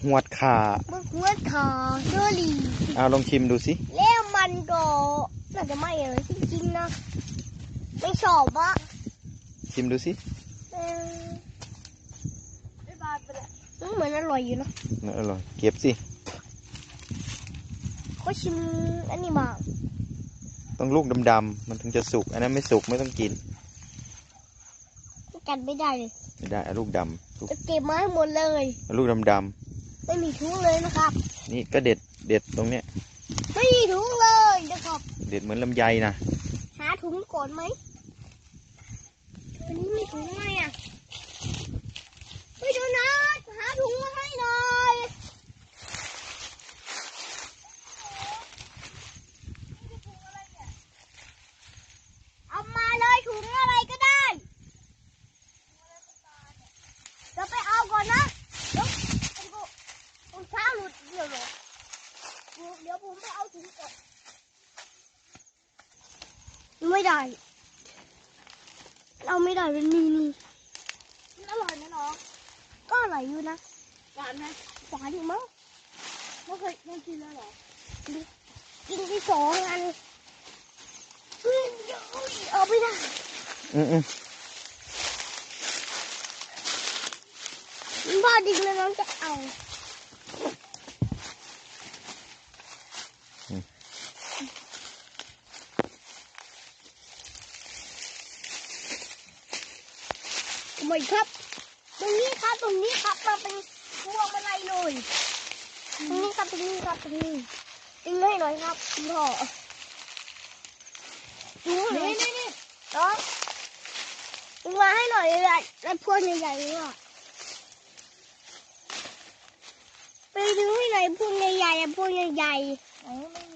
วดขาบักหวดขาเชอรี่ลองชิมดูสิแล้วมันก็น่าจะไม่เลยจริงๆนะไม่ชอบอะชิมดูสิเหมือนอร่อยอยู่นะอร่อยเก็บสิก็ชิมอันนี้บ้างต้องลูกดำๆมันถึงจะสุกอันนั้นไม่สุกไม่ต้องกินกันไม่ได้เลยไม่ได้ลูกดำจะเก็บมาให้หมดเลยลูกดำๆไม่มีถุงเลยนะครับนี่ก็เด็ดตรงเนี้ยไม่มีถุงเลยนะครับเด็ดเหมือนลำไยนะหาถุงก่อนไหมอันนี้มีถุงไหมอ่ะไปดูนะหาถุงมาให้หน่อยเอามาเลยถุงอะไรก็ได้จะไปเอาก่อนนะถุงเท้าหลุดเดี๋ยวผมไปเอาถุงก่อนไม่ได้เราไม่ได้เป็นนี่อร่อยไหมน้องก็อร่อยอยู่นะหวานไหมหวานอยู่มั้งไม่เคยกินแล้วหรอกินที่2 อันเอาไม่ได้พ่อดิ้งแล้วน้องจะเอาไม่ครับตรงนี้ครับมาเป็นพวงมาลัยเลยตรงนี้ครับดิ้งให้หน่อยครับคุณพ่อนี่น้องดึงมาให้หน่อยเลยแล้วพวงใหญ่ๆเลยอ่ะไปดึงให้หน่อยพวงใหญ่ๆพวงใหญ่ๆ